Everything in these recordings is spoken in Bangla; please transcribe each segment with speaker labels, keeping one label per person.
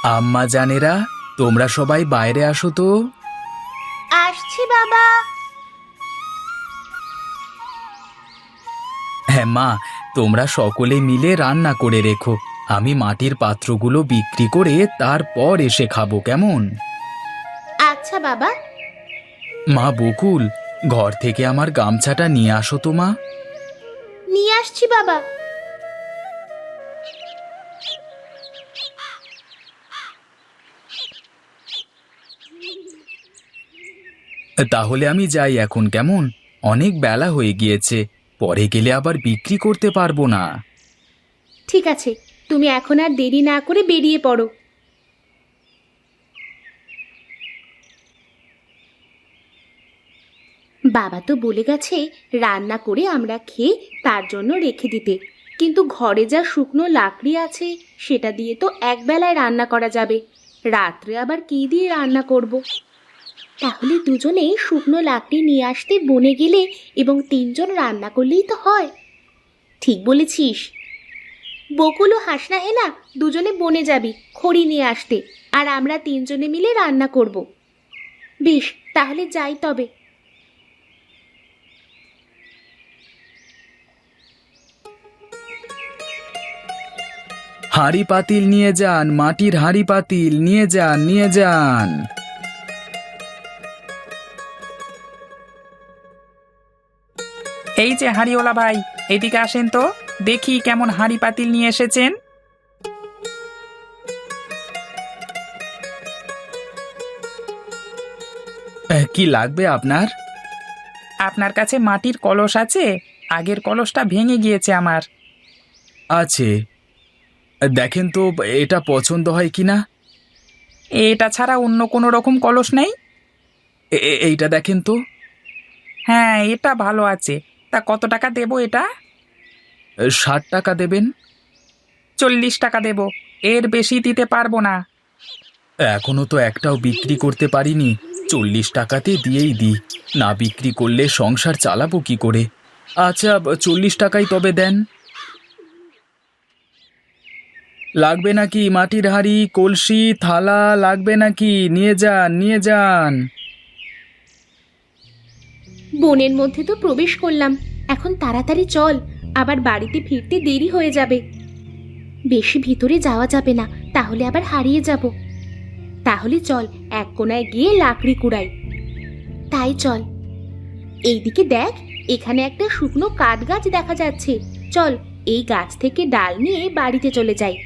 Speaker 1: আম্মা জানেরা, তোমরা সবাই বাইরে আসো তো।
Speaker 2: আসছি বাবা।
Speaker 1: হ্যাঁ মা, তোমরা সকলে মিলে রান্না করে রেখো। আমি মাটির পাত্রগুলো বিক্রি করে তারপর এসে খাবো, কেমন?
Speaker 2: আচ্ছা বাবা।
Speaker 1: মা বকুল, ঘর থেকে আমার গামছাটা নিয়ে আসো তো মা।
Speaker 2: নিয়ে আসছি বাবা।
Speaker 1: তাহলে আমি যাই এখন, কেমন? অনেক বেলা হয়ে গিয়েছে, পরে গেলে আবার বিক্রি করতে পারবো না।
Speaker 2: ঠিক আছে, তুমি এখন আর দেরি না করে বেরিয়ে পড়ো। বাবা তো বলে গেছে রান্না করে আমরা খেয়ে তার জন্য রেখে দিতে, কিন্তু ঘরে যা শুকনো লাকড়ি আছে সেটা দিয়ে তো একবেলায় রান্না করা যাবে। রাত্রে আবার কি দিয়ে রান্না করব? তাহলে দুজনেই শুকনো লাকড়ি নিয়ে আসতে বনে গেলে এবং তিনজন রান্না করলেই তো হয়। ঠিক বলেছিস। বকুল ও হাসনা হেনা দুজনে বনে যাবি খড়ি নিয়ে আসতে, আর আমরা তিনজনে মিলে রান্না করব। বেশ, তাহলে যাই তবে।
Speaker 1: হাঁড়ি পাতিল নিয়ে যান, মাটির হাঁড়ি পাতিল নিয়ে যান, নিয়ে যান।
Speaker 3: এই যে হাঁড়িওয়ালা ভাই, এদিকে আসেন তো, দেখি কেমন হাঁড়ি পাতিল নিয়ে এসেছেন।
Speaker 1: কি লাগবে আপনার?
Speaker 3: আপনার কাছে মাটির কলস আছে? আগের কলসটা ভেঙে গিয়েছে আমার।
Speaker 1: আছে, দেখেন তো এটা পছন্দ হয় কিনা।
Speaker 3: এটা ছাড়া অন্য কোনো রকম কলস নেই?
Speaker 1: এইটা দেখেন তো।
Speaker 3: হ্যাঁ, এটা ভালো আছে। তা কত টাকা দেবো এটা?
Speaker 1: 60 টাকা দেবেন।
Speaker 3: 40 টাকা দেব, এর বেশি দিতে পারবো না।
Speaker 1: এখনো তো একটাও বিক্রি করতে পারিনি, 40 টাকাতে দিয়েই দিই। না বিক্রি করলে সংসার চালাবো কি করে? আচ্ছা, 40 টাকাই তবে দেন। লাগবে নাকি মাটির হাঁড়ি, কলসি, থালা লাগবে নাকি? নিয়ে যান, নিয়ে যান।
Speaker 2: বনের মধ্যে তো প্রবেশ করলাম, এখন তাড়াতাড়ি চল, আবার বাড়িতে ফিরতে দেরি হয়ে যাবে। বেশি ভিতরে যাওয়া যাবে না, তাহলে আবার হারিয়ে যাব। তাহলে চল এক কোণায় গিয়ে লাকড়ি কুড়াই। তাই চল। এইদিকে দেখ, এখানে একটা শুকনো কাঠ গাছ দেখা যাচ্ছে। চল, এই গাছ থেকে ডাল নিয়ে বাড়িতে চলে যাই।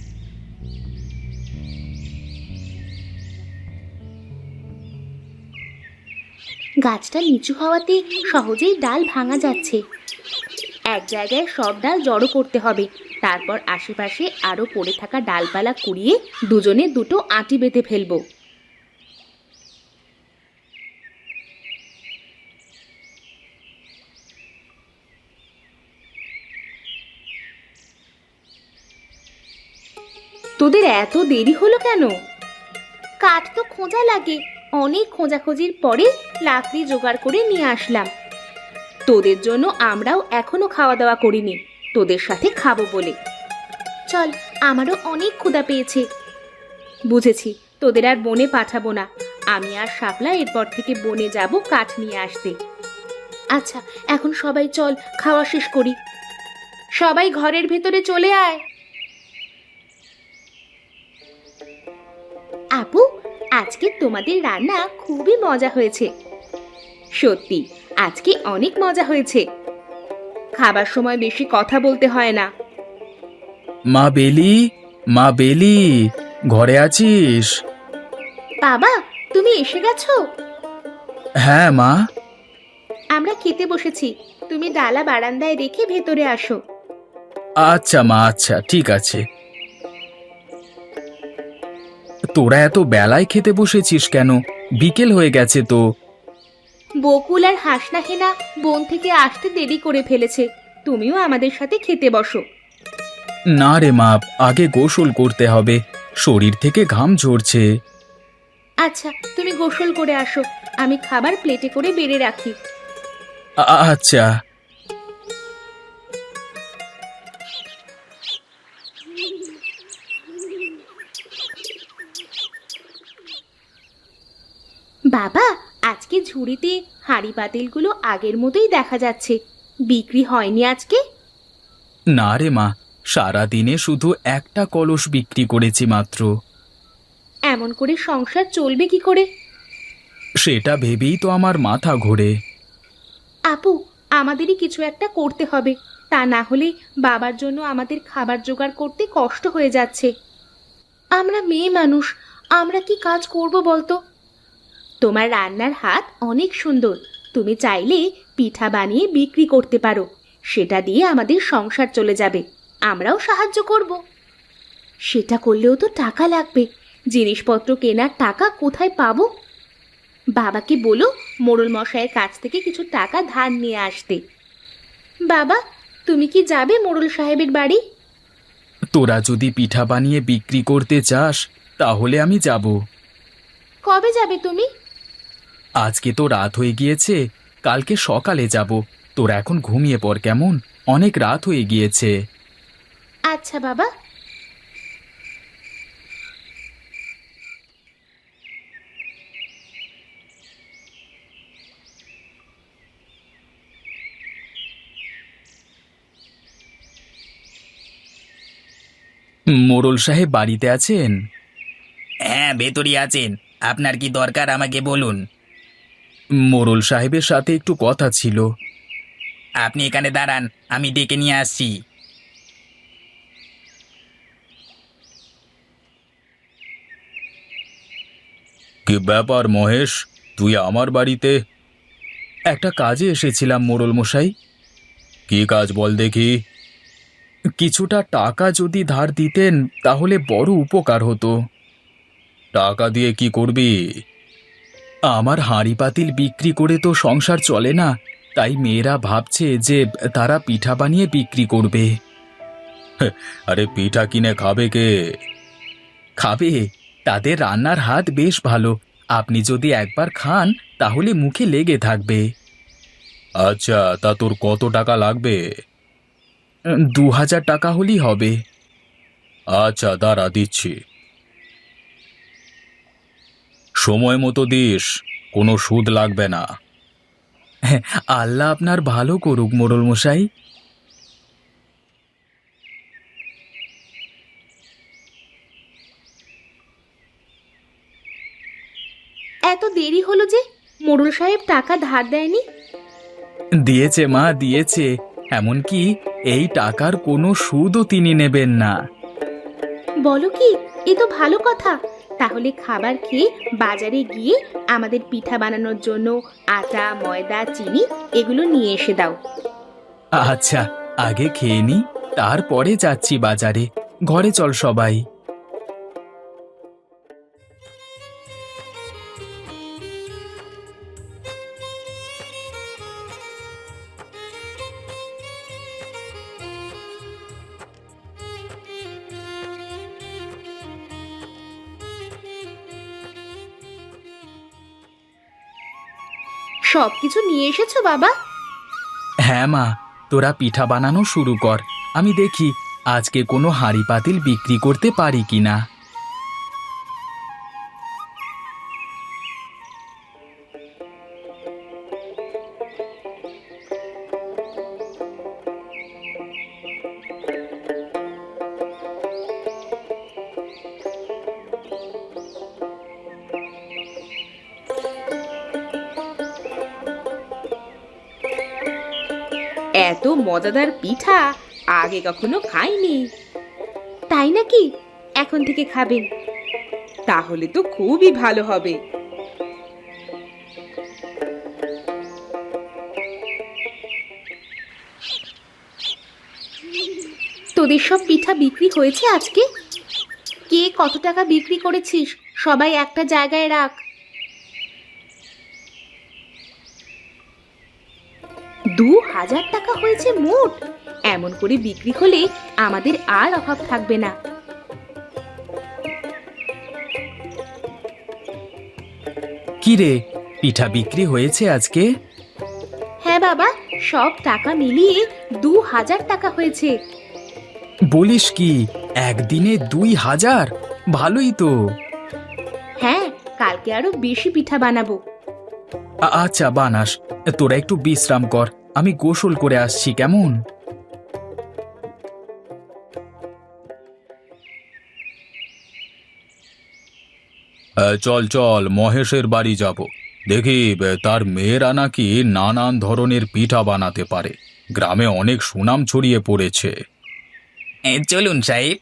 Speaker 2: গাছটা নিচু হওয়াতে সহজেই ডাল ভাঙা যাচ্ছে। এক জায়গায় সব ডাল জড়ো করতে হবে, তারপর আশেপাশে আরো পড়ে থাকা ডালপালা কুড়িয়ে দুজনে দুটো আঁটি বেঁধে ফেলবো। তোদের এত দেরি হলো কেন? কাঠ তো খোঁজা লাগে, অনেক খোঁজাখুঁজির পরে লাকড়ি জোগাড় করে নিয়ে আসলাম। তোদের জন্য আমরাও এখনো খাওয়া দাওয়া করিনি, তোদের সাথে খাবো বলে। চল, আমারও অনেক ক্ষুধা পেয়েছে। বুঝেছি, তোদের আর বনে পাঠাবো না। আমি আর শাপলা এরপর থেকে বনে যাব কাঠ নিয়ে আসতে। আচ্ছা, এখন সবাই চল খাওয়া শেষ করি। সবাই ঘরের ভেতরে চলে আয়। আপু, আজকে তোমাদের রান্না খুবই মজা হয়েছে। সত্যি, আজকে অনেক মজা হয়েছে। খাবার সময় বেশি কথা বলতে হয় না।
Speaker 1: মা বেলি, মা বেলি, ঘরে আছিস?
Speaker 2: বাবা, তুমি এসে গেছো?
Speaker 1: হ্যাঁ মা।
Speaker 2: আমরা খেতে বসেছি, তুমি ডালা বারান্দায় রেখে ভেতরে আসো।
Speaker 1: আচ্ছা মা, আচ্ছা ঠিক আছে। তোরা এত বেলায় খেতে বসেছিস কেন? বিকেল হয়ে গেছে তো।
Speaker 2: বকুল আর হাসনা হেনা বন থেকে আসতে দেরি করে ফেলেছে, তুমিও আমাদের সাথে খেতে বসো।
Speaker 1: না রে মা, আগে গোসল করতে হবে, শরীর থেকে ঘাম ঝরছে।
Speaker 2: আচ্ছা, তুমি গোসল করে আসো, আমি খাবার প্লেটে করে বেড়ে রাখি।
Speaker 1: আচ্ছা।
Speaker 2: বাবা, আজকে ঝুড়িতে হাঁড়ি পাতিলগুলো আগের মতোই দেখা যাচ্ছে। বিক্রি হয়নি আজকে?
Speaker 1: না রে মা, সারাদিনে শুধু একটা কলস বিক্রি করেছি মাত্র।
Speaker 2: এমন করে সংসার চলবে কি করে?
Speaker 1: সেটা ভেবেই তো আমার মাথা ঘোরে।
Speaker 2: আপু, আমাদেরই কিছু একটা করতে হবে, তা না হলে বাবার জন্য আমাদের খাবার জোগাড় করতে কষ্ট হয়ে যাচ্ছে। আমরা মেয়ে মানুষ, আমরা কি কাজ করব বলতো? তোমার রান্নার হাত অনেক সুন্দর, তুমি চাইলে পিঠা বানিয়ে বিক্রি করতে পারো, সেটা দিয়ে আমাদের সংসার চলে যাবে, আমরাও সাহায্য করব। সেটা করলেও তো টাকা লাগবে, জিনিসপত্র কেনার টাকা কোথায় পাবো? বাবাকে বলো মোড়ল মশাইয়ের কাছ থেকে কিছু টাকা ধার নিয়ে আসতে। বাবা, তুমি কি যাবে মোড়ল সাহেবের বাড়ি?
Speaker 1: তোরা যদি পিঠা বানিয়ে বিক্রি করতে চাস তাহলে আমি যাব।
Speaker 2: কবে যাবে তুমি?
Speaker 1: আজকে তো রাত হয়ে গিয়েছে, কালকে সকালে যাব। তোরা এখন ঘুমিয়ে পড় কেমন, অনেক রাত হয়ে গিয়েছে।
Speaker 2: আচ্ছা বাবা।
Speaker 1: মোড়ল সাহেব বাড়িতে আছেন?
Speaker 4: হ্যাঁ, ভেতরই আছেন। আপনার কি দরকার আমাকে বলুন।
Speaker 1: মোড়ল সাহেবের সাথে একটু কথা ছিল।
Speaker 4: আপনি এখানে দাঁড়ান, আমি ডেকে নিয়ে আসছি।
Speaker 1: কি ব্যাপার মহেশ, তুই আমার বাড়িতে? একটা কাজে এসেছিলাম মোড়ল মশাই। কি কাজ বল দেখি। কিছুটা টাকা যদি ধার দিতেন তাহলে বড় উপকার হতো। টাকা দিয়ে কি করবি? আমার হাঁড়ি পাতিল বিক্রি করে তো সংসার চলে না, তাই মেয়েরা ভাবছে যে তারা পিঠা বানিয়ে বিক্রি করবে। আরে পিঠা কিনে খাবে কে? খাবে, তাদের রান্নার হাত বেশ ভালো, আপনি যদি একবার খান তাহলে মুখে লেগে থাকবে। আচ্ছা, তা তোর কত টাকা লাগবে? 2000 টাকা হলেই হবে। আচ্ছা দাঁড়া, দিচ্ছি। সময় মতো দিস, কোনো সুদ লাগবে না। আল্লাহ আপনার ভালো করুক মোড়ল মশাই।
Speaker 2: এত দেরি হলো যে, মোড়ল সাহেব টাকা ধার দেয়নি?
Speaker 1: দিয়েছে মা, দিয়েছে। এমনকি এই টাকার কোনো সুদও তিনি নেবেন না।
Speaker 2: বলো কি, এ তো ভালো কথা। তাহলে খাবার খেয়ে বাজারে গিয়ে আমাদের পিঠা বানানোর জন্য আটা, ময়দা, চিনি এগুলো নিয়ে এসে দাও।
Speaker 1: আচ্ছা, আগে খেয়ে নি, তারপরে যাচ্ছি বাজারে। ঘরে চল সবাই।
Speaker 2: সবকিছু নিয়ে এসেছো বাবা?
Speaker 1: হ্যাঁ মা, তোরা পিঠা বানানো শুরু কর, আমি দেখি আজকে কোনো হাঁড়ি পাতিল বিক্রি করতে পারি কিনা।
Speaker 2: এত মজাদার পিঠা আগে কখনো খাইনি। তাই নাকি? এখন থেকে খাবেন? তাহলে তো খুবই ভালো হবে। তোদের সব পিঠা বিক্রি হয়েছে আজকে? কে কত টাকা বিক্রি করেছিস সবাই একটা জায়গায় রাখ। 2000 টাকা হয়েছে মোট। এমন করে বিক্রি হলে আমাদের আর অভাব থাকবে না।
Speaker 1: কি রে, পিঠা বিক্রি হয়েছে আজকে?
Speaker 2: হ্যাঁ বাবা, সব টাকা মিলিয়ে 2000 টাকা হয়েছে।
Speaker 1: বলিস কি, একদিনে 2000? ভালোই তো।
Speaker 2: হ্যাঁ, কালকে আরো বেশি পিঠা বানাবো।
Speaker 1: আচ্ছা বানাস, তোরা একটু বিশ্রাম কর, আমি গোসল করে আসছি কেমন। চল চল মহেশের বাড়ি যাব, দেখি তার মেয়েরা নাকি নানান ধরনের পিঠা বানাতে পারে, গ্রামে অনেক সুনাম ছড়িয়ে পড়েছে।
Speaker 4: চলুন সাহেব।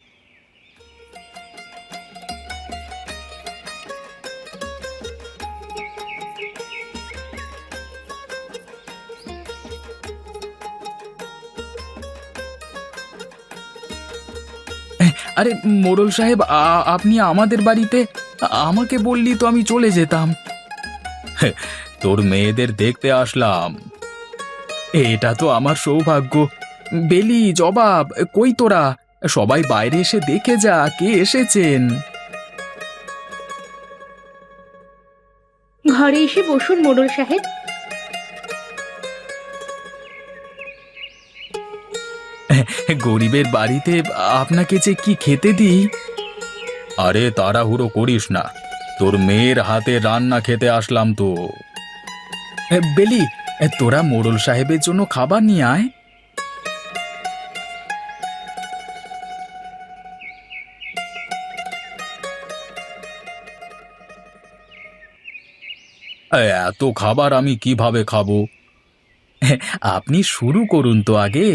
Speaker 1: আরে মোড়ল সাহেব, আপনি আমাদের বাড়িতে, আমাকে বললি তো আমি চলে যেতাম। তোর মেয়েদের দেখতে আসলাম। এটা তো আমার সৌভাগ্য। বেলি, জবাব, কই তোরা? সবাই বাইরে এসে দেখে যা কে এসেছেন।
Speaker 2: ঘরে এসে বসুন মোড়ল সাহেব।
Speaker 1: গরিবের বাড়িতে আপনাকে যে কি খেতে দিই। আরে তাড়াহুড়ো করিস না, তোর মেয়ের হাতে রান্না খেতে আসলাম তো। বেলি, তোরা মোড়ল সাহেবের জন্য খাবার নিয়ে আয়। এত খাবার আমি কিভাবে খাবো? আপনি শুরু করুন তো আগে।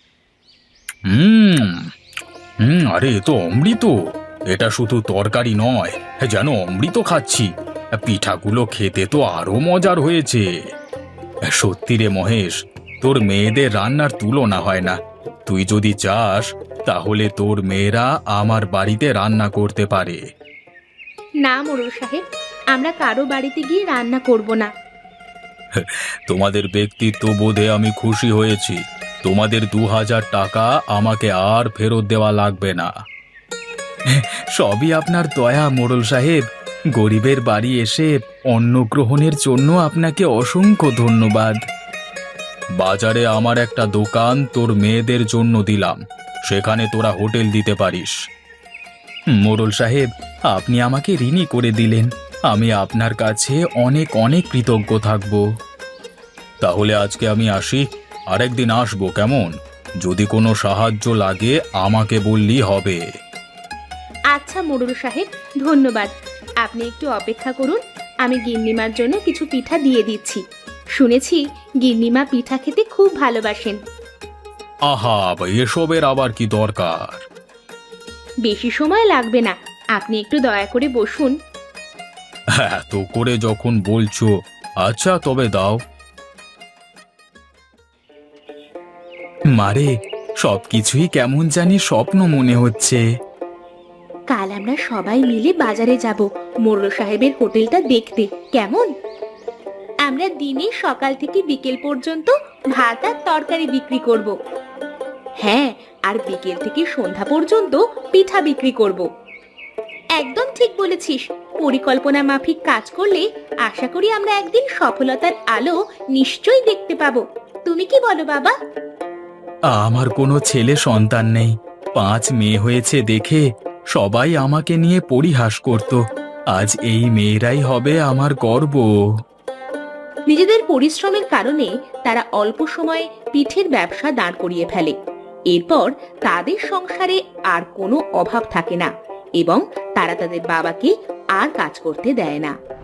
Speaker 1: হুম হুম, আরে এ তো অমৃত। এটা শুধু তরকারি নয়, যেন অমৃত খাচ্ছি। পিঠাগুলো খেতে তো আরো মজার হয়েছে। সত্যি রে মহেশ, তোর মেয়েদের রান্নার তুলনা হয় না। তুই যদি চাস তাহলে তোর মেয়েরা আমার বাড়িতে রান্না করতে পারে।
Speaker 2: না মোড়ল সাহেব, আমরা কারো বাড়িতে গিয়ে রান্না করব না।
Speaker 1: তোমাদের ব্যক্তিত্ব বোধে আমি খুশি হয়েছি। তোমাদের 2000 টাকা আমাকে আর ফেরত দেওয়া লাগবে না। সবই আপনার দয়া মোড়ল সাহেব। গরিবের বাড়ি এসে অন্ন গ্রহণের জন্য আপনাকে অসংখ্য ধন্যবাদ। বাজারে আমার একটা দোকান তোর মেয়েদের জন্য দিলাম, সেখানে তোরা হোটেল দিতে পারিস। মোড়ল সাহেব, আপনি আমাকে ঋণী করে দিলেন, আমি আপনার কাছে অনেক অনেক কৃতজ্ঞ থাকব। তাহলে আজকে আমি আসি, আরেকদিন আসবো কেমন? যদি কোনো সাহায্য লাগে আমাকে বললি হবে।
Speaker 2: আচ্ছা মোড়ল সাহেব, ধন্যবাদ। আপনি একটু অপেক্ষা করুন, আমি গিন্নিমার জন্য কিছু পিঠা দিয়ে দিচ্ছি। শুনেছি গিন্নিমা পিঠা খেতে খুব ভালোবাসেন।
Speaker 1: আহা, এসবের আবার কি দরকার?
Speaker 2: বেশি সময় লাগবে না, আপনি একটু দয়া করে বসুন।
Speaker 1: এত করে যখন বলছো, আচ্ছা তবে দাও। মারে, সবকিছুই কেমন জানি স্বপ্ন মনে হচ্ছে।
Speaker 2: কাল আমরা সবাই মিলে বাজারে যাব মোড়ল সাহেবের হোটেলটা দেখতে, কেমন? আমরা দিনে সকাল থেকে বিকেল পর্যন্ত ভাত আর তরকারি বিক্রি করব। হ্যাঁ, আর বিকেল থেকে সন্ধ্যা পর্যন্ত পিঠা বিক্রি করব। একদম ঠিক বলেছিস। পরিকল্পনা মাফিক কাজ করলে আশা করি আমরা একদিন সফলতার আলো নিশ্চয়ই দেখতে পাবো। তুমি কি বলো বাবা?
Speaker 1: আমার কোনো ছেলে সন্তান নেই, 5 মেয়ে হয়েছে দেখে সবাই আমাকে নিয়ে পরিহাস করত। আজ এই মেয়েরাই হবে আমার গর্ব।
Speaker 2: নিজেদের পরিশ্রমের কারণে তারা অল্প সময়ে পিঠের ব্যবসা দাঁড় করিয়ে ফেলে। এরপর তাদের সংসারে আর কোনো অভাব থাকে না এবং তারা তাদের বাবাকে আর কাজ করতে দেয় না।